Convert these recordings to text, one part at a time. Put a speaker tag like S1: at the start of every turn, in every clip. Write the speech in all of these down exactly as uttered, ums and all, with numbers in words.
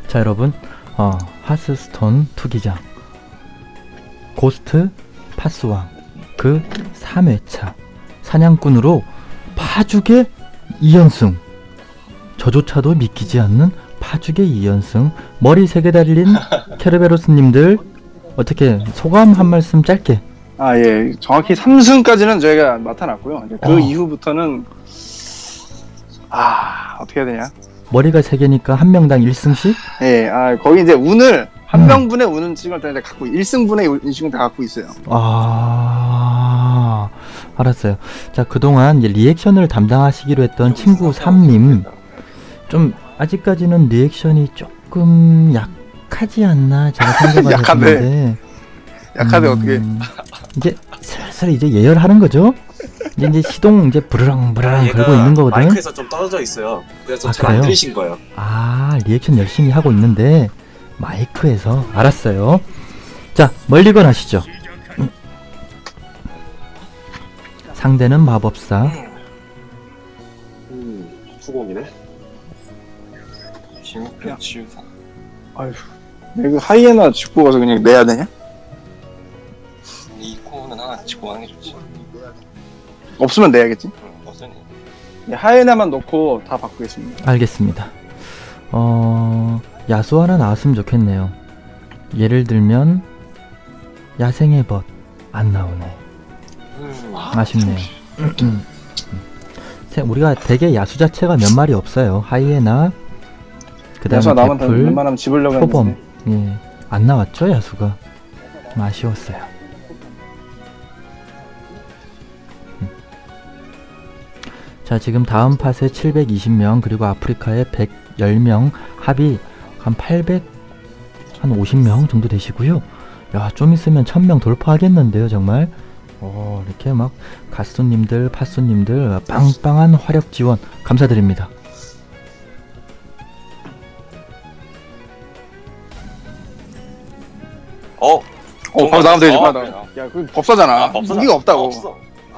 S1: 자 여러분, 어, 하스스톤 투기장 고스트 파스왕 그 삼 회차 사냥꾼으로 파죽의 이 연승, 저조차도 믿기지 않는 파죽의 이 연승. 머리 세 개 달린 케르베로스님들 어떻게 소감 한 말씀 짧게.
S2: 아, 예. 정확히 삼 승까지는 저희가 맡아놨고요. 이제 그
S1: 어.
S2: 이후부터는 아, 어떻게 해야 되냐?
S1: 머리가 세 개니까 한 명당 일 승씩?
S2: 예. 아, 거기 이제 운을 한
S1: 음.
S2: 명분의 운을 다 이제 갖고 일 승분의 운식은 다 갖고 있어요.
S1: 아, 알았어요. 자, 그동안 이제 리액션을 담당하시기로 했던 친구 삼님, 좀 아직까지는 리액션이 조금 약하지 않나 제가 생각을
S2: 약한데.
S1: 했는데
S2: 약하데
S1: 음,
S2: 어떻게?
S1: 이제 슬슬 이제 예열하는 거죠? 이제 이제 시동 이제 부르렁 부르렁
S3: 얘가
S1: 걸고 있는 거거든.
S3: 마이크에서 좀 떨어져 있어요. 그래서
S1: 아,
S3: 잘 안
S1: 그래요?
S3: 들리신 거예요.
S1: 아, 리액션 열심히 하고 있는데 마이크에서. 알았어요. 자, 멀리건 하시죠. 음. 상대는 마법사.
S3: 음, 수공이네.
S2: 야. 아휴. 내가 그 하이에나 짚고 가서 그냥 내야 되냐?
S3: 이 코는 하나 짚고 하는 게 좋지.
S2: 없으면 내야겠지.
S3: 응, 없으니.
S2: 예, 하이에나만 넣고 다 바꾸겠습니다.
S1: 알겠습니다. 어... 야수 하나 나왔으면 좋겠네요. 예를 들면 야생의 벗 안 나오네.
S3: 음,
S1: 아쉽네요. 음. 세- 우리가 대개 야수 자체가 몇 마리 없어요. 하이에나, 그
S2: 그래서
S1: 다음에
S2: 남은
S1: 대풀,
S2: 웬만하면 집으려고
S1: 표범.
S2: 했는데.
S1: 예, 안 나왔죠 야수가. 좀 아쉬웠어요. 음. 자, 지금 다음 팟에 칠백이십 명, 그리고 아프리카에 백십 명, 합이 한 팔백, 한 오십 명 정도 되시고요. 야, 좀 있으면 천 명 돌파하겠는데요, 정말. 어, 이렇게 막 가수님들, 파수님들 빵빵한 화력 지원 감사드립니다.
S3: 어,
S2: 어, 바로 나오면 되지.
S3: 어,
S2: 바로 나오면. 야, 그 법사잖아.
S3: 아, 법사다.
S2: 무기가 없다고.
S3: 아, 없어.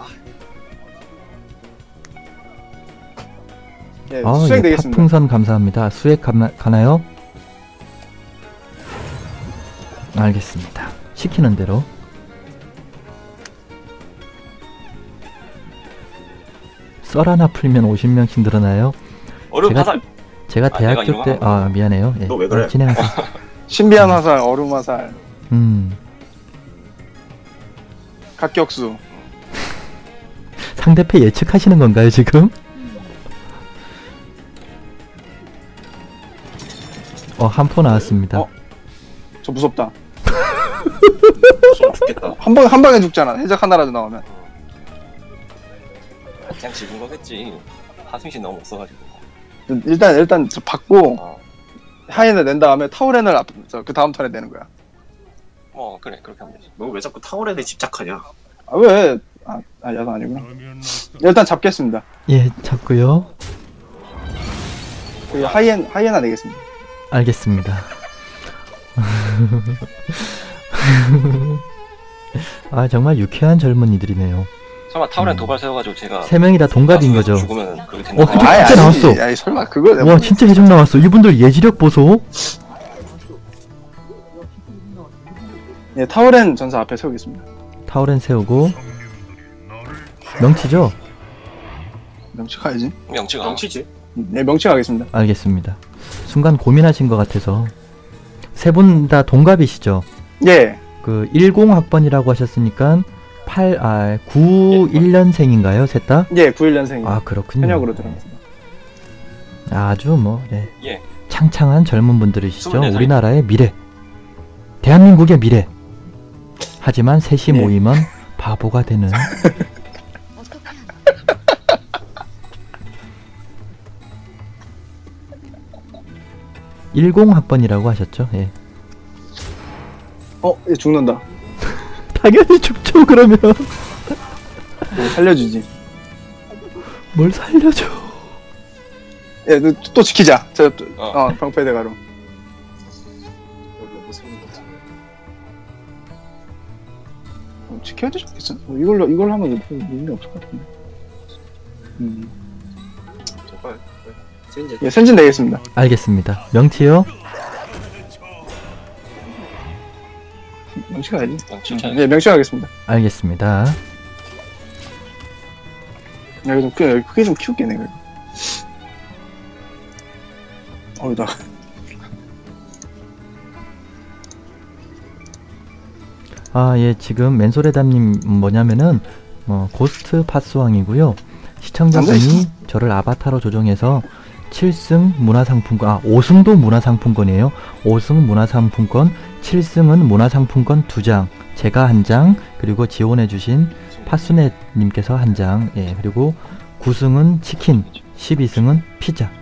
S2: 예,
S1: 아,
S2: 수행
S1: 예,
S2: 되겠습니다.
S1: 팥풍선 감사합니다. 수액 가나, 가나요? 알겠습니다. 시키는 대로. 썰 하나 풀면 오십 명씩 늘어나요.
S3: 얼음
S1: 제가-
S3: 화살.
S1: 제가
S3: 아, 내가
S1: 대학교 때,
S3: 이거
S1: 아, 미안해요. 예,
S3: 너왜 그래?
S1: 어, 진행하세요.
S2: 신비한 화살, 얼음 화살,
S1: 음,
S2: 각격수.
S1: 상대패 예측하시는 건가요, 지금? 어, 한 포 나왔습니다.
S2: 어? 저 무섭다.
S3: 좀 죽겠다.
S2: 한 방, 한 방에 죽잖아. 해적 하나라도 나오면.
S3: 그냥 집은 거겠지. 하승신 너무 없어가지고.
S2: 일단, 일단 저 받고,
S3: 어,
S2: 하이에나 낸 다음에 타우렌을 앞, 저, 그 다음 턴에 내는 거야.
S3: 어 그래 그렇게 하면 되지. 너 왜 자꾸 타월에 집착하냐?
S2: 아, 왜? 아, 아 야단 아니구나. 일단 잡겠습니다.
S1: 예, 잡고요.
S2: 그 하이엔, 하이에나 내겠습니다.
S1: 알겠습니다. 아, 정말 유쾌한 젊은이들이네요.
S3: 설마 타월에
S1: 음.
S3: 도발 세워가지고 제가
S1: 세 명이 다 동갑인 거죠.
S3: 죽으면 그렇게 된다.
S1: 어, 해적
S2: 아이,
S1: 진짜
S2: 아니지.
S1: 나왔어.
S2: 아이, 설마, 그거 내가.
S1: 와, 진짜 해적 나왔어. 이분들 예지력 보소.
S2: 예, 타우렌 전사 앞에 세우겠습니다.
S1: 타오렌 세우고 명치죠?
S2: 명치 가야지.
S3: 명치가 명치지.
S2: 네, 명치 가겠습니다.
S1: 알겠습니다. 순간 고민하신 것 같아서. 세 분 다 동갑이시죠?
S2: 예.
S1: 그 십 학번이라고 하셨으니까 팔, 아, 구십일 년생인가요? 셋 다?
S2: 예, 구십일 년생이요.
S1: 아, 그렇군요.
S2: 현역으로 들어갔습니다.
S1: 아주 뭐, 네.
S3: 예.
S1: 창창한 젊은 분들이시죠.
S3: 스물네 살이죠.
S1: 우리나라의 미래. 대한민국의 미래. 하지만 셋이
S2: 예.
S1: 모이면 바보가 되는. 십 학번이라고 하셨죠? 예.
S2: 어, 얘 죽는다.
S1: 당연히 죽죠, 그러면.
S2: 뭐 살려주지.
S1: 뭘 살려줘.
S2: 예, 또, 또 지키자. 저, 또,
S3: 어.
S2: 어, 방패 대가로. 어, 지켜야 되지 않겠어? 어, 이걸로, 이걸로 하면 의미 없을 것 같은데. 음.
S3: 정말. 센제.
S2: 예, 선진 내겠습니다.
S1: 알겠습니다. 명치요?
S2: 명치 가야지.
S3: 명치
S2: 응.
S3: 쳐야지.
S2: 네, 명치 가겠습니다.
S1: 알겠습니다.
S2: 여기 좀, 크- 여기 크게 좀 키울게, 내가. 어이, 나.
S1: 아, 예, 지금 맨소레담님 뭐냐면은 어, 고스트 파스왕이고요. 시청자분이 저를 아바타로 조정해서 칠 승 문화상품권, 아, 오 승도 문화상품권이에요. 오 승 문화상품권, 칠 승은 문화상품권 두 장, 제가 한 장, 그리고 지원해주신 파수넷님께서 한 장, 예, 그리고 구 승은 치킨, 십이 승은 피자.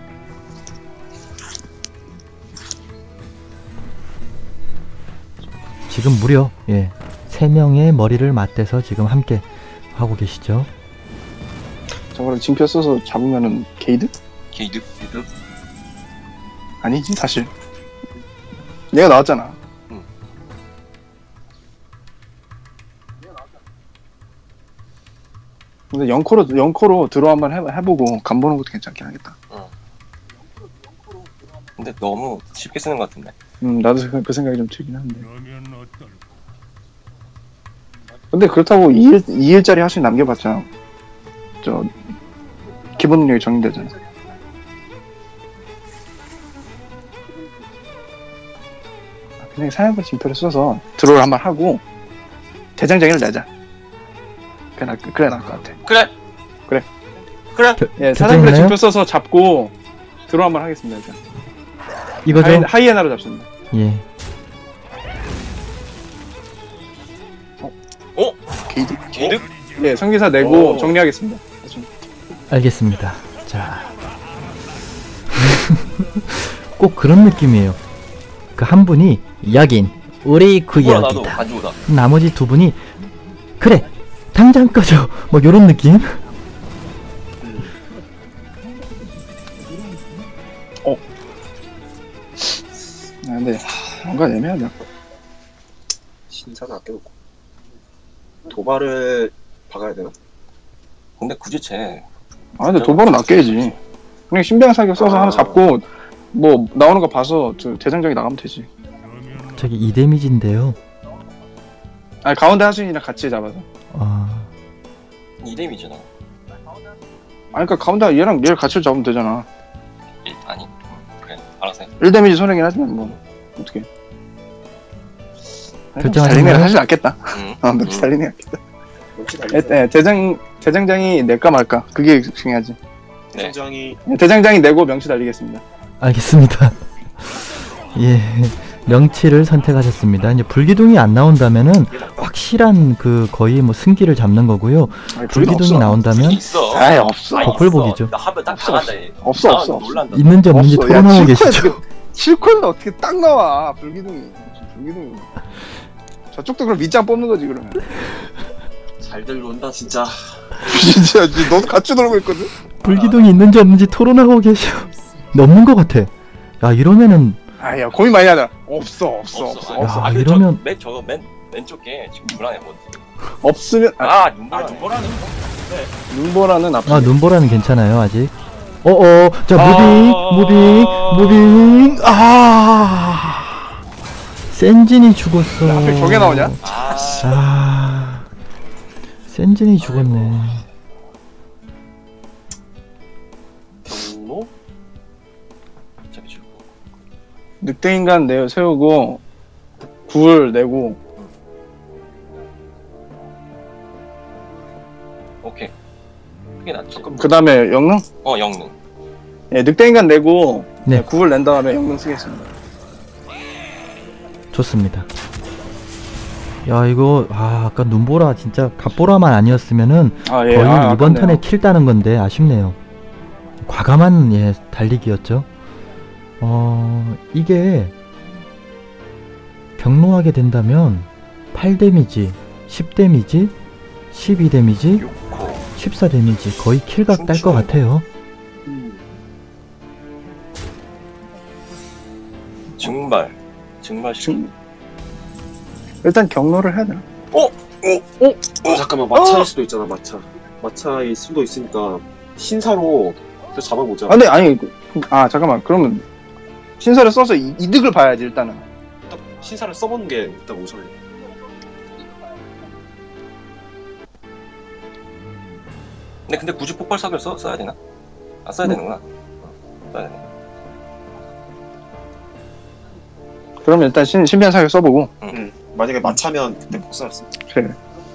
S1: 지금 무려, 예, 세 명의 머리를 맞대서 지금 함께 하고 계시죠.
S2: 저거를 징표 써서 잡으면은 게이드?
S3: 게이드? 게이드?
S2: 아니지, 사실. 얘가 나왔잖아.
S3: 응.
S2: 근데 영코로, 영코로 들어 한번 해, 해보고 간보는 것도 괜찮긴 하겠다.
S3: 근데 너무 쉽게 쓰는 것 같은데.
S2: 음, 나도 그, 그 생각이 좀 들긴 한데. 근데 그렇다고 이 일, 이 일짜리 하수인 남겨봤자, 저, 기본 능력이 정리되잖아. 그냥 사냥꾼 징표를 써서 드로우를 한번 하고, 대장장이를 내자. 그래, 나, 그래, 나을 것 같아.
S3: 그래!
S2: 그래.
S3: 그래!
S2: 예,
S1: 결정했나요?
S2: 사냥꾼의 징표 써서 잡고, 드로우 한번 하겠습니다, 일단.
S1: 이거죠?
S2: 하이, 하이에나로 잡습니다.
S1: 예.
S3: 어?
S2: 게이드?
S3: 게이드?
S2: 예, 성기사 내고
S3: 오.
S2: 정리하겠습니다.
S1: 알겠습니다. 자. 꼭 그런 느낌이에요. 그 한 분이 여긴 우리
S3: 뭐야 나도
S1: 구역이다.
S3: 가지고다.
S1: 나머지 두 분이 그래 당장 꺼져 뭐 요런 느낌.
S2: 아, 근데 하, 뭔가 애매하다.
S4: 신사는 아껴놓고 도발을 박아야 되나?
S3: 근데 굳이 쟤
S2: 아, 근데 도발은 아껴야지. 그냥 신병 사격 써서
S4: 아.
S2: 하나 잡고 뭐 나오는 거 봐서 저 대장장이 나가면 되지.
S1: 저기 이 데미지인데요.
S2: 아니 가운데 하수인이랑 같이 잡아서.
S1: 아,
S3: 이 뎀이잖아.
S2: 아니 그니까 가운데 얘랑 얘를 같이 잡으면 되잖아.
S3: 일, 아니 그래 알아서 해.
S2: 일 데미지 손해긴 하지만 뭐 어떻게.
S1: 결정하신
S2: 달리네가
S1: 거예요?
S2: 사실 낫겠다.
S3: 응.
S2: 어, 맵시 달리네 낫겠다.
S4: 역시
S2: 예,
S4: 달리자.
S2: 예, 대장 대장장이 낼까 말까 그게 중요하지.
S3: 네.
S4: 굉장히
S2: 예, 대장장이 내고 명치 달리겠습니다.
S1: 알겠습니다. 예, 명치를 선택하셨습니다. 이제 불기둥이 안 나온다면은 확실한 그 거의 뭐 승기를 잡는 거고요.
S2: 아니,
S1: 불기둥이
S2: 없어.
S1: 나온다면
S3: 있어.
S2: 아예 없어.
S3: 아니,
S1: 복불복이죠.
S3: 있어. 나 하면 딱
S2: 없어,
S3: 당한다 얘.
S2: 없어,
S3: 나
S2: 없어, 없어.
S3: 놀란다.
S1: 있는지 없는지
S2: 없어. 야,
S1: 토론하고
S2: 칠코에
S1: 계시죠.
S2: 어떻게- 칠코에는 어떻게 딱 나와 불기둥이. 불기둥이. 저쪽도 그럼 밑장 뽑는 거지 그러면.
S4: 잘들 논다 진짜.
S2: 진짜 너도 같이 놀고 있거든.
S1: 불기둥이 있는지 없는지 토론하고 계셔. 없는 것 같아. 야 이러면은
S2: 아야 고민 많이 하잖아. 없어 없어
S3: 없어.
S2: 없어
S3: 아니,
S2: 없어.
S1: 야,
S3: 아, 그
S1: 이러면-
S3: 저, 맨 저거 맨 왼쪽 게 지금 불안해 뭐.
S2: 없으면 아,
S3: 아
S4: 아
S3: 눈보라네.
S4: 눈보라는
S2: 눈보라는 앞.
S1: 아 눈보라는 괜찮아요 아직. 어어 자 무빙
S3: 아.
S1: 무빙 무빙 아 센진이 죽었어.
S2: 야, 하필 저게 나오냐?
S3: 아
S1: 아 센진이 죽었네.
S3: 경로? 어차피 죽고.
S2: 늑대 인간 내 세우고 굴 내고
S3: 오케이. 그게 낫지.
S2: 그 다음에 영능?
S3: 어 영능.
S2: 예, 늑대 인간 내고
S1: 네.
S2: 네. 굴 낸 다음에 영능 쓰겠습니다.
S1: 좋습니다. 야 이거 아 아까 눈보라 진짜 갓보라만 아니었으면은
S2: 아 예.
S1: 거의
S2: 아,
S1: 이번
S2: 아깝네요.
S1: 턴에 킬 따는 건데 아쉽네요. 과감한 예 달리기였죠. 어 이게 경로하게 된다면 팔 데미지, 십 데미지, 십이 데미지,
S3: 요코.
S1: 십사 데미지 거의 킬각 딸 것 같아요.
S3: 증발. 증발 시.
S2: 지금 일단 경로를 해야 되나?
S3: 어?
S4: 어 잠깐만 마차일 수도 있잖아 마차. 마차일 수도 있으니까 신사로 그 잡아보자.
S2: 아, 근데 아니 그- 아 잠깐만 그러면 신사를 써서 이, 이득을 봐야지 일단은.
S4: 일단 신사를 써보는 게 일단 우선이야.
S3: 근데 근데 굳이 폭발 사기를 써, 써야 되나? 아 써야
S2: 뭐.
S3: 되는구나. 어, 써야 되네.
S2: 그러면 일단 신, 신비한 사격 써보고.
S4: 응. 만약에 마차면 그때 복사했어.
S2: 그래.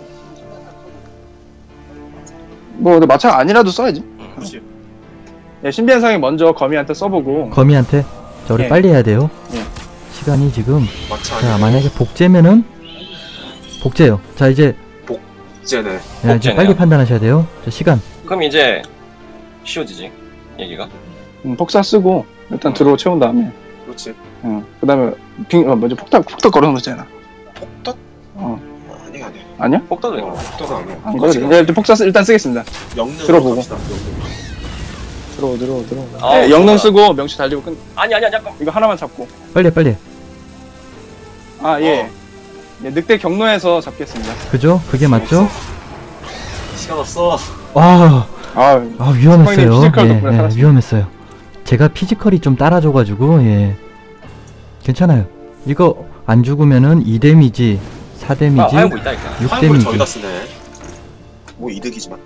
S2: 뭐 근데 마차가 아니라도 써야지.
S3: 응.
S4: 그렇지.
S2: 예, 신비한 사격 먼저 거미한테 써보고.
S1: 거미한테 자 우리
S2: 예.
S1: 빨리 해야 돼요.
S2: 예.
S1: 시간이 지금
S4: 마차
S1: 자
S4: 아니면
S1: 만약에 복제면은 복제요. 자 이제
S4: 복제네.
S1: 야, 이제
S3: 복제네요.
S1: 빨리 판단하셔야 돼요. 자 시간
S3: 그럼 이제 쉬워지지 얘기가.
S2: 음, 폭사 쓰고 일단 드로우 채운 다음에.
S4: 그렇지.
S2: 응. 그 다음에 빙, 어, 먼저 폭탁 폭탁 걸어놓은 거 있잖아.
S4: 폭덕?
S2: 어.
S4: 아니야 아니야.
S2: 아니야?
S3: 폭도도
S4: 어,
S3: 이거.
S4: 폭덕은 아니야.
S2: 안 걸어도 돼. 네, 일단 폭사 쓰, 일단 쓰겠습니다.
S4: 영능
S2: 들어보고.
S4: 갑시다. 영능.
S2: 들어오 들어오 들어오.
S3: 아,
S2: 네, 영능
S3: 좋다.
S2: 쓰고 명치 달리고 끝.
S3: 아니 아니 아니 잠깐.
S2: 이거 하나만 잡고.
S1: 빨리 해, 빨리 해.
S2: 아 예.
S3: 어.
S2: 예, 늑대 경로에서 잡겠습니다.
S1: 그죠? 그게 맞죠?
S4: 시간 없어.
S1: 와,
S2: 아,
S1: 아 위험했어요.
S2: 형님 피지컬
S1: 예,
S2: 덕분에
S1: 예,
S2: 살았습니다.
S1: 위험했어요. 제가 피지컬이 좀 따라줘가지고 예 괜찮아요. 이거 안 죽으면은 이 데미지, 사
S3: 아
S1: 데미지,
S3: 화염구 있다니까.
S1: 육
S4: 화물을
S1: 데미지.
S4: 저기다 쓰네. 뭐 이득이지만.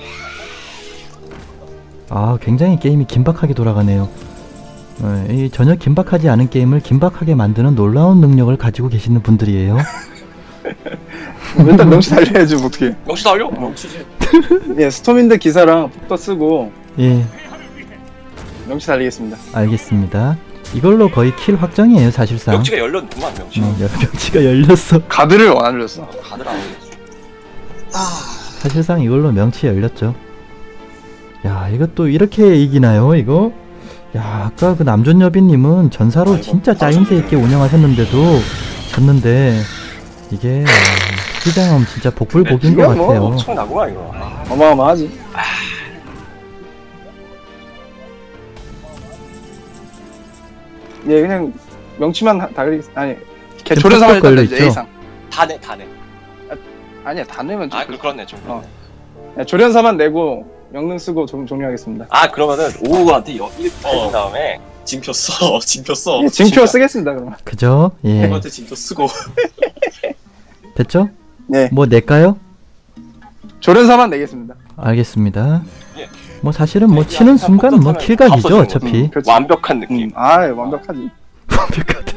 S1: 아 굉장히 게임이 긴박하게 돌아가네요. 예, 이 전혀 긴박하지 않은 게임을 긴박하게 만드는 놀라운 능력을 가지고 계시는 분들이에요.
S2: 일단 명치 달려야지 뭐 어떻게.
S3: 역시 달려.
S4: 멈추지.
S2: 예, 스톰인드 기사랑 폭도 쓰고
S1: 예,
S2: 명치 달리겠습니다.
S1: 알겠습니다. 이걸로 거의 킬 확정이에요, 사실상.
S3: 명치가 열렸구만 명치.
S1: 어, 명치가 열렸어.
S2: 가드를 안 올렸어.
S3: 다들 안 올렸어.
S1: 사실상 이걸로 명치 열렸죠. 야, 이것도 이렇게 이기나요, 이거? 야, 아까 그 남존여비님은 전사로
S4: 아이고,
S1: 진짜 짜임새 있게 운영하셨는데도 졌는데 이게 기장엄 진짜 복불복인 것
S2: 이거 뭐
S1: 같아요.
S3: 엄청 나구만 이거. 아,
S2: 어마어마하지. 예, 그냥 명치만 다- 달리 아니 개
S1: 지금
S2: 조련사만
S1: 팍팍
S2: 일단
S1: 걸려
S2: 내죠,
S1: 있죠?
S2: A상.
S3: 다네 다네.
S2: 아니야, 다 내면 좀.
S3: 아 그, 그렇네 좀.
S2: 어. 야, 조련사만 내고 영능 쓰고 종, 종료하겠습니다.
S3: 아 그러면은 오우한테 일
S4: 어.
S3: 어. 다음에
S4: 징표 써. 징표 써.
S2: 예, 징표 쓰겠습니다, 그러면.
S1: 그죠? 예.
S4: 형한테 징표 쓰고.
S1: 됐죠?
S2: 네,
S1: 뭐 낼까요?
S2: 조련사만 내겠습니다.
S1: 알겠습니다.
S3: 예.
S1: 뭐 사실은 뭐
S3: 예,
S1: 치는
S3: 한
S1: 순간 뭐
S3: 번쯤은
S1: 킬각이죠,
S3: 앞서주는
S1: 어차피.
S2: 음, 그렇지.
S3: 완벽한 느낌.
S2: 음, 아, 완벽하지.
S1: 완벽하다.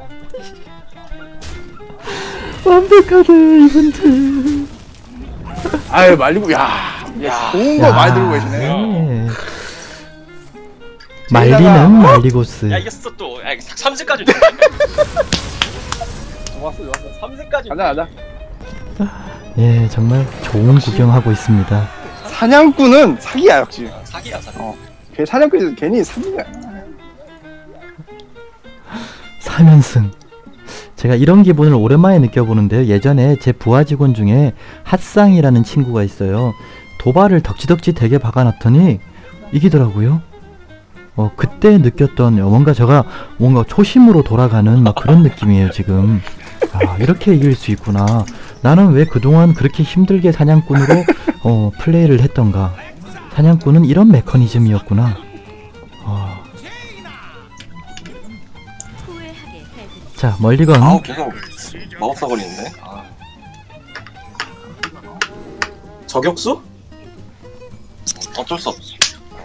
S1: 완벽하다, 이분들.
S2: 아유, 말리고, 야,
S3: 야.
S2: 좋은 거 많이 들고 계시네.
S1: 예.
S2: 제이다가-
S1: 말리는 말리고스.
S3: 야 이겼어 또. 야 삼 세까지.
S2: 좋았어, 좋았어.
S3: 삼 세까지.
S2: 가자, 가자.
S1: 예, 정말 좋은 구경하고 있습니다.
S2: 사냥꾼은 사기야, 역시.
S3: 사기야 사기.
S2: 어. 걔 사냥꾼이 괜히 사기야.
S1: 삼 연승. 제가 이런 기분을 오랜만에 느껴보는데요. 예전에 제 부하 직원 중에 핫상이라는 친구가 있어요. 도발을 덕지덕지 되게 박아놨더니 이기더라고요. 어, 그때 느꼈던 뭔가 제가 뭔가 초심으로 돌아가는 막 그런 느낌이에요, 지금. 아, 이렇게 이길 수 있구나. 나는 왜 그동안 그렇게 힘들게 사냥꾼으로 어, 플레이를 했던가. 사냥꾼은 이런 메커니즘이었구나. 어. 자, 멀리건.
S3: 아우 계속 마법사 걸리는데. 아.
S4: 저격수?
S3: 어쩔 수 없지.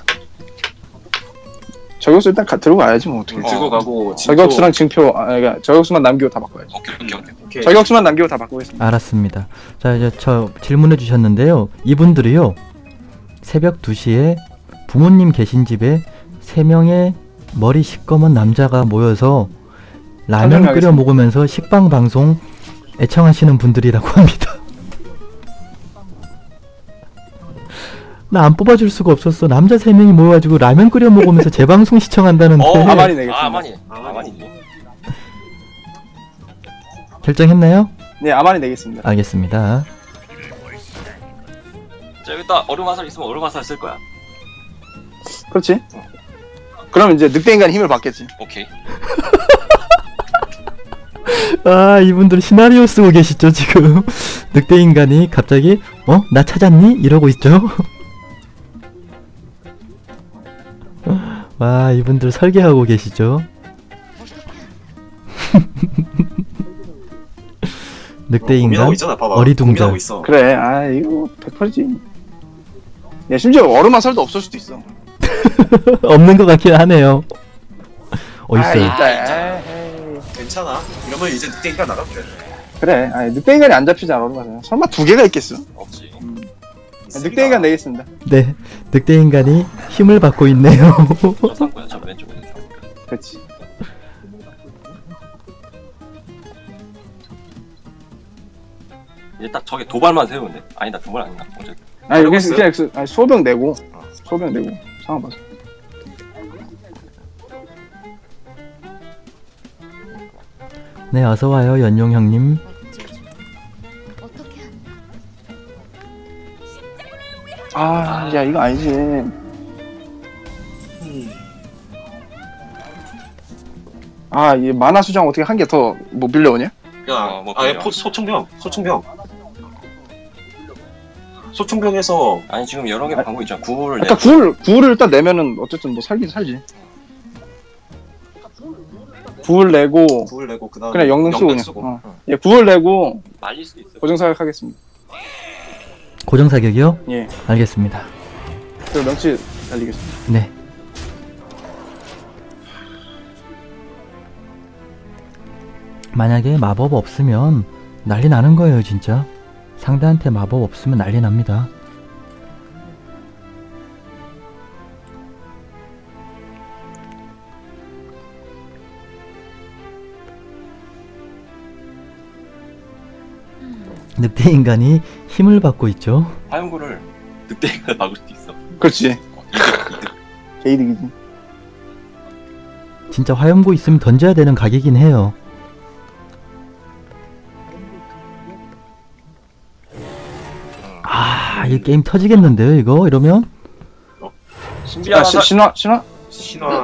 S2: 저격수 일단 가, 들고 가야지, 뭐, 어떻게.
S3: 어.
S4: 들고 가고. 징표.
S2: 저격수랑 징표, 아, 그러니까 저격수만 남기고 다 바꿔야지.
S3: 오케이 오케이 오케이.
S4: 오케이.
S2: 저격수만 남기고 다 바꾸겠습니다.
S1: 알았습니다. 자, 이제 저 질문해 주셨는데요. 이분들이요. 새벽 두 시에 부모님 계신 집에 세 명의 머리 시꺼먼 남자가 모여서 라면 끓여
S2: 설명하겠습니다.
S1: 먹으면서 식빵 방송 애청하시는 분들이라고 합니다. 나 안 뽑아줄 수가 없었어. 남자 세 명이 모여가지고 라면 끓여 먹으면서 제 방송 시청한다는데
S3: 어
S2: 아마니 내겠습니다.
S3: 아 아마니.
S4: 아마니.
S3: 아마니지.
S1: 결정했나요?
S2: 네, 아마니 내겠습니다.
S1: 알겠습니다.
S3: 자 여기다 얼음 화살 있으면 얼음 화살 쓸 거야.
S2: 그렇지? 그럼 이제 늑대인간의 힘을 받겠지.
S3: 오케이.
S1: 아, 이분들 시나리오 쓰고 계시죠, 지금. 늑대 인간이 갑자기, 어? 나 찾았니? 이러고 있죠. 와, 이분들 설계하고 계시죠. 늑대
S4: 고민하고
S1: 인간,
S4: 있잖아, 봐봐.
S1: 어리둥절.
S4: 고민하고 있어.
S2: 그래, 아, 이거 백 퍼센트지. 야, 심지어 얼음 화살도 없을 수도 있어.
S1: 없는 것 같긴 하네요. 어
S2: 아,
S1: 있어요.
S2: 있다. 에이.
S4: 괜찮아. 이러면 이제 늑대기가 나가면 돼.
S2: 그래. 아니, 늑대인간이 안 잡히잖아, 얼음 화살. 설마 두 개가 있겠어?
S3: 없지.
S2: 늑대인간 내겠습니다.
S1: 네, 늑대 인간이 힘을 받고 있네요.
S3: 저 상고요. 저 왼쪽에 있는 상고.
S2: 그렇지.
S3: 이제 딱 저게 도발만 세우면 돼. 아니다 도발 아니다. 어제
S2: 아니, 여기
S4: 있어요?
S2: 그냥 그- 아니, 소병 내고, 소병 내고, 상황 봐서.
S1: 네, 어서 와요, 연용 형님.
S5: 어떻게 한다.
S2: 아, 야, 이거 아니지. 아, 이 만화 수정 어떻게 한 개 더 뭐 밀려오냐?
S4: 야,
S3: 어, 뭐
S4: 아예
S3: 그래요.
S4: 포 소총병, 소총병. 소총병에서
S3: 아니 지금 여러 개
S2: 아,
S3: 방법 있잖아. 구호를 내.
S2: 일단 구를 구를 일단 내면은 어쨌든 뭐 살긴 살지. 구를 내고
S4: 구을 내고 그다음에
S2: 그냥 영능 쓰고 그냥.
S4: 쓰고.
S2: 어. 예, 구를 내고
S3: 말릴 수도 있어.
S2: 고정 사격하겠습니다.
S1: 고정 사격이요?
S2: 예,
S1: 알겠습니다.
S2: 그리고 명치 날리겠습니다.
S1: 네. 만약에 마법 없으면 난리 나는 거예요, 진짜. 상대한테 마법 없으면 난리 납니다. 늑대 인간이 힘을 받고 있죠.
S3: 화염구를 늑대가 막을 수도 있어.
S2: 그렇지.
S3: 어, 이득 이득.
S2: 개이득이지.
S1: 진짜 화염구 있으면 던져야 되는 각이긴 해요. 아, 이 게임 터지겠는데요, 이거? 이러면?
S3: 신비한
S2: 아, 시,
S3: 화살.
S2: 신화 신화.
S4: 신화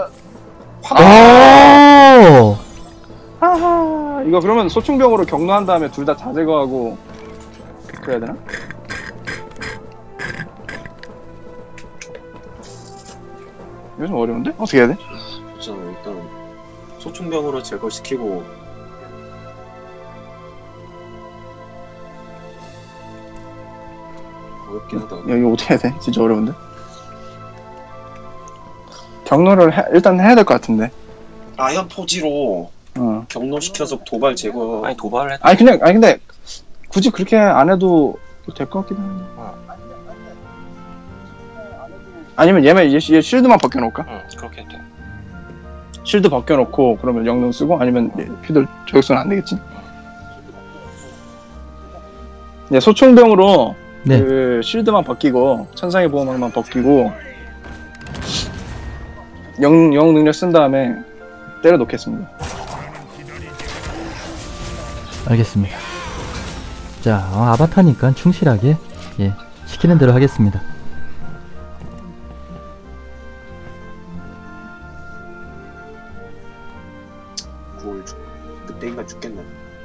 S1: 오!
S2: 하하. 이거 그러면 소충병으로 경로한 다음에 둘 다 다 제거하고 그래야 되나? 이거 좀 어려운데? 어떻게 해야 돼?
S4: 있잖아. 일단 소총병으로 제거시키고 어렵긴 하다.
S2: 야, 이거 어떻게 해야 돼? 진짜 어려운데? 경로를 해- 일단 해야 될 것 같은데.
S4: 아연 포지로
S2: 어.
S4: 경로시켜서 도발 제거.
S3: 아니 도발을 했.
S2: 아니 그냥 아니 근데 굳이 그렇게 안 해도 될 것 같기도 한데. 아니면 얘만 얘, 얘 쉴드만 벗겨놓을까?
S3: 응 그렇게 돼.
S2: 쉴드 벗겨놓고 그러면 영능 쓰고 아니면 얘 피들 저격수는 안 되겠지. 네, 소총병으로
S1: 네.
S2: 그 쉴드만 벗기고 천상의 보호막만 벗기고 영, 영 능력 쓴 다음에 때려 놓겠습니다.
S1: 알겠습니다. 자, 어, 아바타니까 충실하게, 예, 시키는 대로 하겠습니다.
S4: 구월 죽. 늑대인가 죽겠네.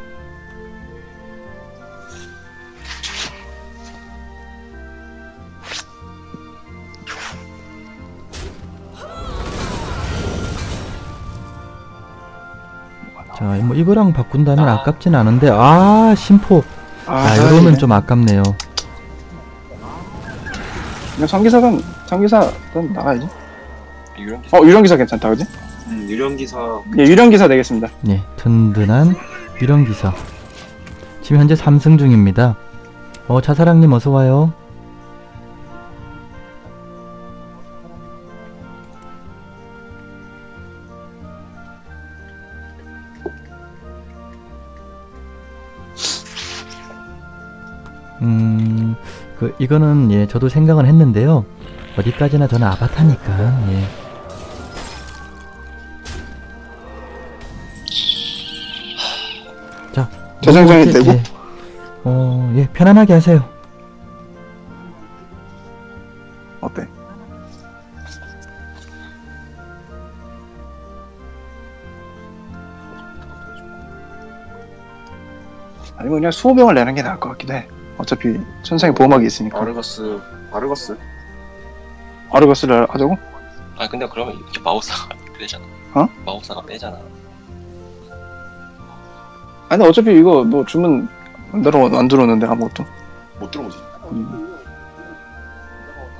S1: 자, 뭐 이거랑 바꾼다면
S3: 아.
S1: 아깝진 않은데, 아, 심포. 아, 이거는 좀 아깝네요.
S2: 그냥 전기사건 전기사건 나가야지.
S3: 유령
S2: 어 유령기사 괜찮다 그지?
S4: 음, 유령기사
S2: 예 유령기사 내겠습니다.
S1: 예, 든든한 유령기사. 지금 현재 삼 승 중입니다. 어, 자사랑님 어서와요. 음, 그, 이거는, 예, 저도 생각은 했는데요. 어디까지나 저는 아바타니까, 예. 자,
S2: 재생장이
S1: 뭐 이렇게,
S2: 되고?
S1: 예. 어, 예, 편안하게 하세요.
S2: 어때? 아니면 그냥 수호병을 내는 게 나을 것 같기도 해. 어차피 천상의 보호막이 있으니까.
S4: 아르거스 아르거스
S2: 아르거스를 하자고?
S3: 아 근데 그러면 이렇게 마우스가 빼잖아.
S2: 어?
S3: 마우스가 빼잖아.
S2: 아니 근데 어차피 이거 뭐 주문 안 들어 안 들어오는데 아무것도.
S4: 못 들어오지.
S2: 음.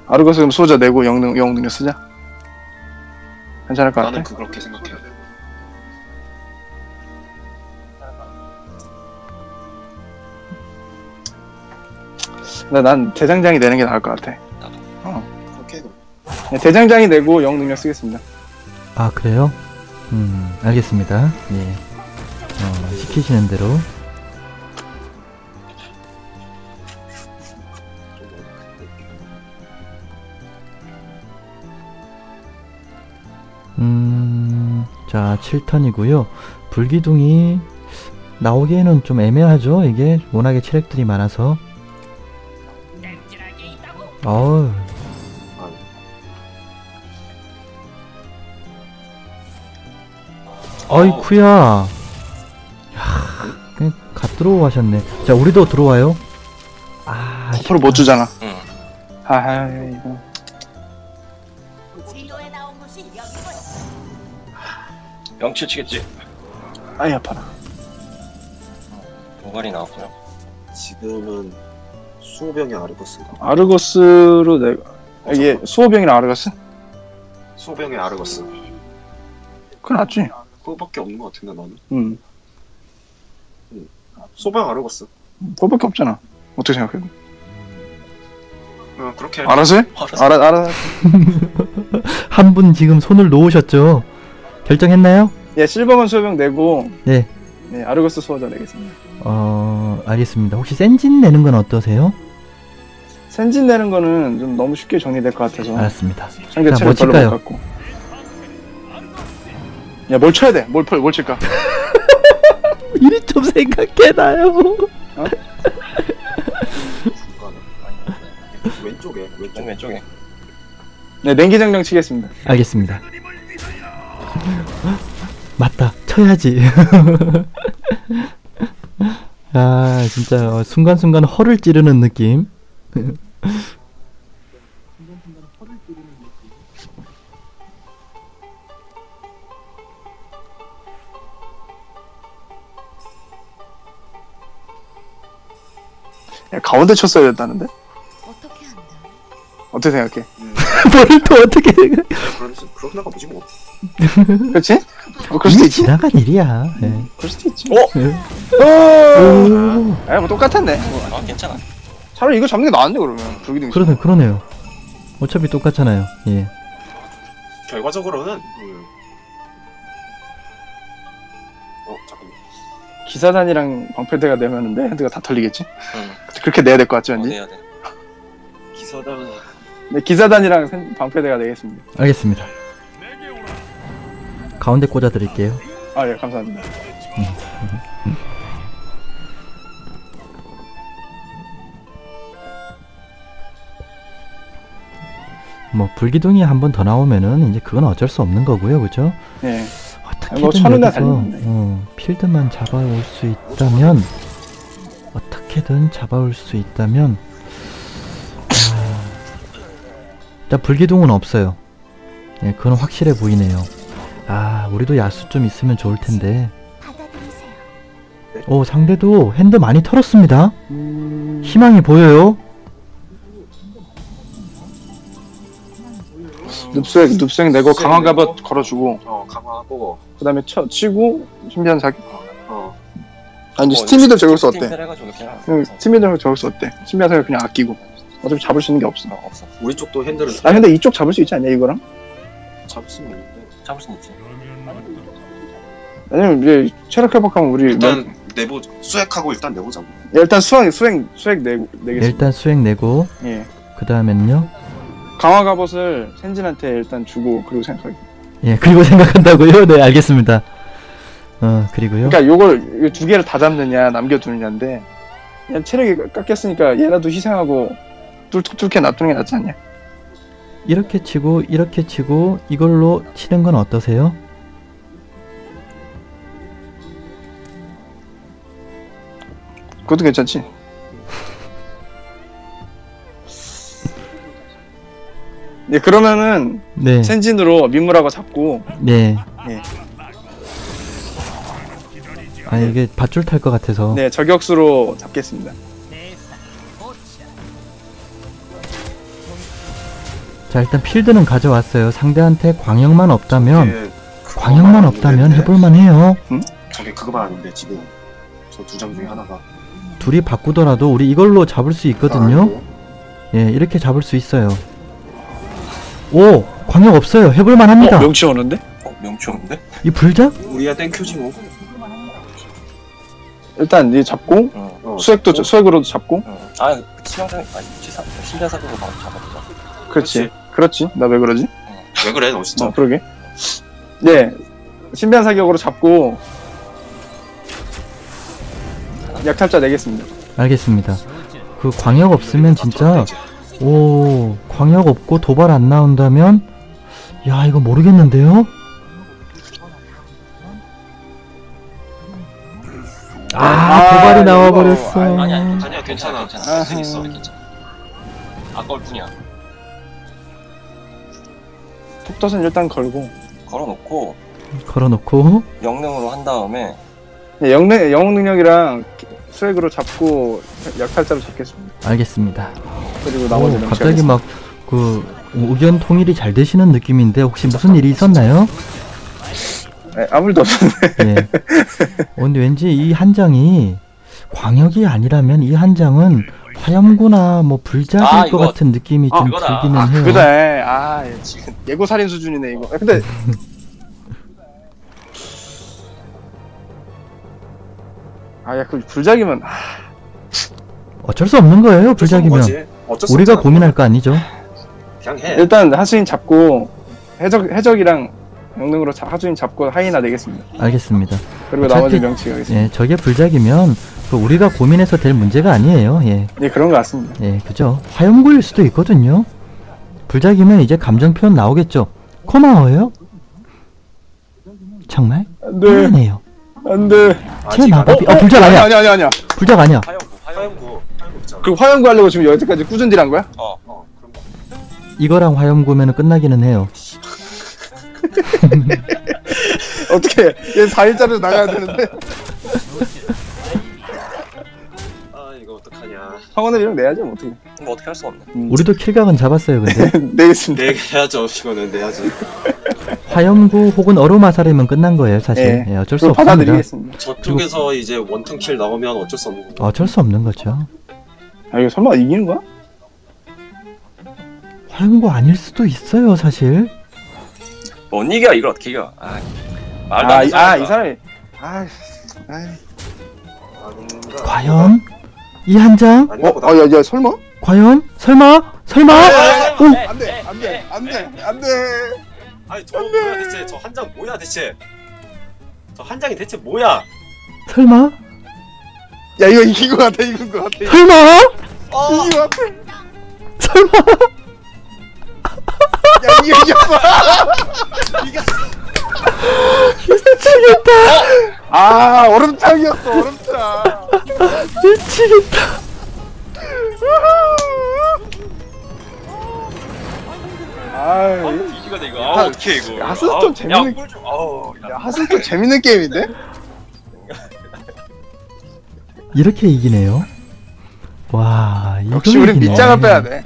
S2: 아르거스 그럼 수호자 내고 영능 영웅 능력 쓰자. 괜찮을 것 같아.
S4: 나는 그 그렇게 생각해.
S2: 나 난 대장장이 내는 게 나을 것 같아. 어.
S4: 그렇게 해도
S2: 네, 대장장이 내고 영웅 능력 쓰겠습니다.
S1: 아 그래요? 음 알겠습니다. 예. 어, 시키시는 대로. 음, 자, 칠 턴이고요. 불기둥이 나오기에는 좀 애매하죠. 이게 워낙에 체력들이 많아서. 어우. 어이쿠야. 야, 그냥 갓 들어오셨네. 자, 우리도 들어와요. 아,
S2: 버프를 못 주잖아.
S3: 응.
S2: 하하 이거.
S3: 명치 치겠지.
S2: 아이 아파라.
S3: 도발이 나왔고요.
S4: 지금은 수호병이 아르거스인가?
S2: 아르거스로 내가 이게 수호병이랑 아르거스?
S4: 수호병의 아르거스.
S2: 그건 낫지.
S4: 그거밖에 없는 것 같은데 나는.
S2: 음,
S4: 수호병 아르거스.
S2: 그거밖에 없잖아. 어떻게 생각해?
S4: 어, 그렇게.
S2: 알아서 해?
S3: 알아서.
S2: 알아 알아.
S1: 한 분 지금 손을 놓으셨죠? 결정했나요?
S2: 예, 실버건 수호병 내고
S1: 네.
S2: 네, 아르거스 수호자 내겠습니다.
S1: 어, 알겠습니다. 혹시 센진 내는 건 어떠세요?
S2: 센진 내는 거는 좀 너무 쉽게 정리될 것 같아서
S1: 알았습니다.
S2: 상대
S1: 자,
S2: 체력
S1: 뭐
S2: 별로
S1: 칠까요?
S2: 못 갖고. 야, 뭘 쳐야 돼? 뭘, 펼- 뭘 칠까?
S1: 이리 좀 생각해놔요.
S4: 중간에. 왼쪽에 왼쪽.
S3: 왼 왼쪽에.
S2: 네, 냉기장령 치겠습니다.
S1: 알겠습니다. 맞다. 쳐야지. 아, 진짜 어, 순간순간 허를 찌르는 느낌.
S2: 야, 가운데 쳤어야 됐다는데?
S5: 어떻게 한다?
S2: 어떻게 생각해?
S4: 음,
S1: 뭘 또 어떻게
S4: 그런 그렇게 나가보지 뭐.
S2: 그렇지? 어, 그럴 수도
S1: 이미
S2: 있지.
S1: 지나간 일이야. 예.
S2: 그럴 수도 있지.
S1: 예.
S2: 어!
S1: 오,
S2: 야, 뭐 똑같았네. 뭐,
S3: 아 괜찮아.
S2: 차라리 이거 잡는 게 나았네, 그러면. 불기둥.
S1: 그러네, 그러네요. 어차피 똑같잖아요. 예.
S4: 결과적으로는. 음. 어 잠깐만.
S2: 기사단이랑 방패대가 내면은 내 핸드가 다 털리겠지?
S3: 응.
S2: 그렇게 내야 될 것 같지,
S3: 어,
S2: 왠지?
S3: 내야 돼.
S4: 기사단.
S2: 네, 기사단이랑 생- 방패대가 내겠습니다.
S1: 알겠습니다. 가운데 꽂아 드릴게요.
S2: 아, 예, 감사합니다.
S1: 뭐 불기둥이 한 번 더 나오면은 이제 그건 어쩔 수 없는 거고요, 그죠?
S2: 예.
S1: 어떻게든
S2: 뭐 천원이나
S1: 여기서
S2: 달리는데.
S1: 어, 필드만 잡아올 수 있다면 어떻게든 잡아올 수 있다면 아, 일단 불기둥은 없어요. 예, 그건 확실해 보이네요. 아, 우리도 야수 좀 있으면 좋을 텐데.
S5: 받아들이세요.
S1: 오, 상대도 핸드 많이 털었습니다.
S2: 음...
S1: 희망이 보여요.
S2: 눕색, 눕색 내고 강화 갑옷 걸어주고,
S4: 어 강화하고.
S2: 그 다음에 쳐, 치고, 신비한 사기.
S4: 어.
S2: 아니,
S3: 어,
S2: 스팀이더 저격수 어때?
S3: 스팀 해가지고 그냥.
S2: 응, 스팀이더 저격수 어때? 신비한 사기 그냥 아끼고. 어차피 잡을 수 있는 게 없어.
S3: 어, 없어.
S4: 우리 쪽도 핸들을
S2: 아, 근데 이쪽 잡을 수 있지 않냐, 이거랑?
S4: 잡을 수 있는데.
S3: 잡을 수 있지.
S2: 왜냐면 이제 체력 회복하면 우리
S4: 일단
S2: 몇-
S4: 내보 수액하고 일단 내보자고.
S2: 야, 일단 수행, 수행, 수행 내, 내겠습니다.
S1: 일단 수행 내고
S2: 예.
S1: 그 다음엔요.
S2: 강화 갑옷을 센진한테 일단 주고, 그리고 생각하기.
S1: 예, 그리고 생각한다고요? 네, 알겠습니다. 어, 그리고요.
S2: 그러니까 요걸, 요 두 개를 다 잡느냐, 남겨두느냐인데, 그냥 체력이 깎였으니까 얘라도 희생하고, 뚫툭뚫게 놔두는 게 낫지 않냐?
S1: 이렇게 치고 이렇게 치고 이걸로 치는 건 어떠세요?
S2: 그것도 괜찮지? 네, 그러면은,
S1: 네.
S2: 센진으로 민물하고 잡고,
S1: 네.
S2: 예.
S1: 아, 이게 밧줄 탈 것 같아서.
S2: 네, 저격수로 잡겠습니다.
S1: 자, 일단 필드는 가져왔어요. 상대한테 광역만 없다면
S4: 저게 그거만
S1: 광역만
S4: 아닌데,
S1: 없다면
S4: 네.
S1: 해볼만 해요.
S4: 저게 그거만 아닌데 지금 저 두 장 중에 하나가
S1: 둘이 바꾸더라도 우리 이걸로 잡을 수 있거든요. 예, 이렇게 잡을 수 있어요. 오! 광역 없어요. 해볼만 합니다.
S2: 어, 명치 오는데?
S3: 어, 명치 없는데?
S1: 이 불작?
S4: 우리야 땡큐지 뭐.
S2: 일단 이 잡고
S3: 응.
S4: 어,
S2: 수액도
S4: 어?
S2: 수액으로도 잡고.
S3: 응. 아, 치명상, 아니, 치사, 신자사으로 바로 잡아보자.
S2: 그렇지. 그렇지. 나 왜 그러지?
S4: 왜 그래 너 진짜.
S2: 어, 그러게. 네. 신비한 사격으로 잡고 약탈자 내겠습니다.
S1: 알겠습니다. 그 광역 없으면 진짜 오, 광역 없고 도발 안 나온다면 야, 이거 모르겠는데요? 아,
S2: 아,
S1: 도발이
S2: 이거,
S1: 나와버렸어.
S2: 아니,
S3: 아니, 아니,
S4: 아니야,
S3: 괜찮아,
S4: 괜찮아.
S3: 괜찮아. 할수
S2: 아하.
S3: 있어, 괜찮아. 아까울 뿐이야.
S2: 톱덫은 일단 걸고
S3: 걸어놓고,
S1: 걸어놓고
S3: 영능으로 한 다음에,
S2: 네, 영능, 영웅 능력이랑 수액으로 잡고 약탈자로 잡겠습니다.
S1: 알겠습니다.
S2: 그리고 나머지
S1: 오,
S2: 명치
S1: 갑자기
S2: 하겠습니다.
S1: 막 그 의견 통일이 잘 되시는 느낌인데 혹시 무슨 일이 있었나요?
S2: 네, 아무 일도 없었는데.
S1: 예. 어, 근데 왠지 이 한 장이 광역이 아니라면 이 한 장은 화염구나 뭐 불작일
S3: 아,
S1: 것
S3: 이거.
S1: 같은 느낌이
S3: 아,
S1: 좀
S3: 이거다.
S1: 들기는
S2: 아,
S1: 해요.
S2: 그래. 아, 지금 예고 살인 수준이네 이거. 아, 근데 아, 야, 그 불작이면 아,
S1: 어쩔 수 없는 거예요.
S4: 어쩔 수 없는
S1: 불작이면
S4: 거지. 어쩔 수
S1: 우리가
S4: 없잖아.
S1: 고민할 거 아니죠.
S4: 그냥 해.
S2: 일단 하수인 잡고 해적 해적이랑 영능으로 자, 하수인 잡고 하이나 내겠습니다.
S1: 알겠습니다.
S2: 그리고
S1: 어차피-
S2: 나머지 명치 가겠습니다.
S1: 예, 저게 불작이면 그 우리가 고민해서 될 문제가 아니에요. 예,
S2: 예, 그런 것 같습니다.
S1: 예, 그죠. 화염구일 수도 있거든요. 불작이면 이제 감정 표현 나오겠죠. 고마워요. 정말
S2: 안돼,
S1: 미안해요.
S2: 안돼.
S1: 제
S4: 아직
S1: 마법이
S2: 어,
S1: 어, 불작
S2: 아니야,
S1: 아니야.
S2: 아니야, 아니야.
S1: 불작 아니야.
S3: 화염구, 화염구.
S4: 화염구 화염구 있잖아.
S2: 그 화염구 하려고 지금 여태까지 꾸준히 한 거야?
S3: 어,
S4: 어 그런 거.
S1: 이거랑 화염구면 끝나기는 해요.
S2: 어떻게? 얘 사 일짜리로 나가야 되는데
S4: 아 이거 어떡하냐.
S2: 성원을 이랑 내야지 뭐 어떻게?
S3: 뭐 어떻게 할 수 없네.
S2: 음.
S1: 우리도 킬각은 잡았어요. 근데
S2: 내겠습니다.
S4: 내야죠 이거는 내야지.
S1: 화염구 혹은 얼음화살이면 끝난 거예요. 사실
S2: 예.
S1: 예, 어쩔 수
S2: 그럼
S1: 없습니다.
S2: 받아들이겠습니다.
S4: 저쪽에서 이제 원턴 킬 나오면 어쩔 수 없는 거.
S1: 어쩔 수 없는 거죠.
S2: 아, 이거 설마 이기는 거야?
S1: 화염구 아닐 수도 있어요. 사실
S3: 못 이겨, 이걸 어떻게 이겨. 아, 말도
S2: 아,
S3: 안
S2: 이,
S3: 되는
S2: 아,
S3: 소리야.
S2: 이 사람이 아, 아,
S4: 아닌가?
S1: 과연 이 한 장?
S4: 아닌가
S2: 어,
S4: 보다.
S2: 어, 야, 야, 설마?
S1: 과연? 설마? 설마? 오!
S2: 안 돼, 안 돼, 안 돼, 안 돼.
S4: 아니 저 뭐야 대체 저 한 장 뭐야 대체. 저 한 장이 대체 뭐야?
S1: 설마?
S2: 야, 이거 이긴 거 같아, 이긴 거 같아.
S1: 설마?
S4: 어.
S2: 이긴 거 같아.
S1: 설마?
S2: 야, 이게 이겼어.
S4: 이겼어.
S1: 미치겠다.
S2: 아, 얼음탕이었어, 얼음탕.
S1: 미치겠다.
S2: 아,
S3: 뒤지거든, 이거.
S2: 야,
S3: 아, 어떻게 이거.
S2: 야, 하스스톤
S3: 아우,
S2: 재밌는-
S3: 야, 꿀 좀. 아우, 야.
S2: 야, 하슬도 재밌는 게임인데?
S1: 이렇게 이기네요. 와, 이거
S2: 역시 우린
S1: 이기네.
S2: 밑장을 빼야 돼.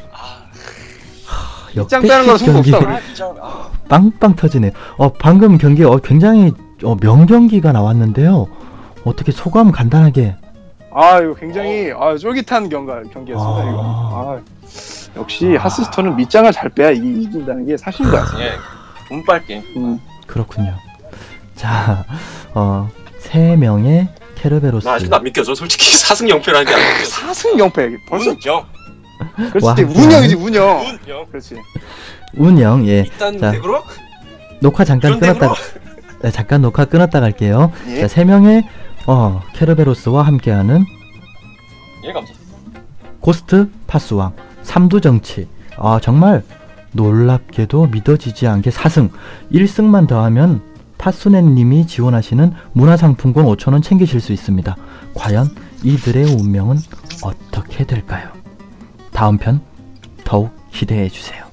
S2: 밑장 빼는 건 승부
S1: 경기
S2: 없어, 우리.
S3: 아, 진짜. 아,
S1: 빵빵 터지네. 어, 방금 경기 어, 굉장히 어, 명경기가 나왔는데요. 어떻게 소감 간단하게.
S2: 아, 이거 굉장히 아, 쫄깃한 경가, 경기였습니다,
S1: 아.
S2: 이거. 아, 역시 하스스톤은 밑장을 잘 빼야 이, 이긴다는 게 사실인 것 같아.
S3: 예. 운빨 게임.
S2: 음.
S1: 그렇군요. 자, 어, 세 명의 케르베로스.
S4: 나 아직도 안 믿겨져 솔직히 사승 영패라는 게 안 믿겨져.
S2: 사승 영패. 벌써
S3: 운영.
S2: 그렇지.
S1: 와,
S2: 운영이지, 운영.
S3: 운영.
S2: 그렇지.
S1: 운영, 예.
S4: 일단
S1: 자,
S4: 덱으로
S1: 녹화 잠깐
S4: 그런
S1: 끊었다가, 네, 잠깐 녹화 끊었다 갈게요.
S2: 예.
S1: 자, 세 명의 어, 케르베로스와 함께하는
S3: 예, 감사.
S1: 고스트 파수왕 삼두정치. 아, 정말 놀랍게도 믿어지지 않게 사 승. 일 승만 더하면 파수네님이 지원하시는 문화상품권 오천 원 챙기실 수 있습니다. 과연 이들의 운명은 어떻게 될까요? 다음 편 더욱 기대해 주세요.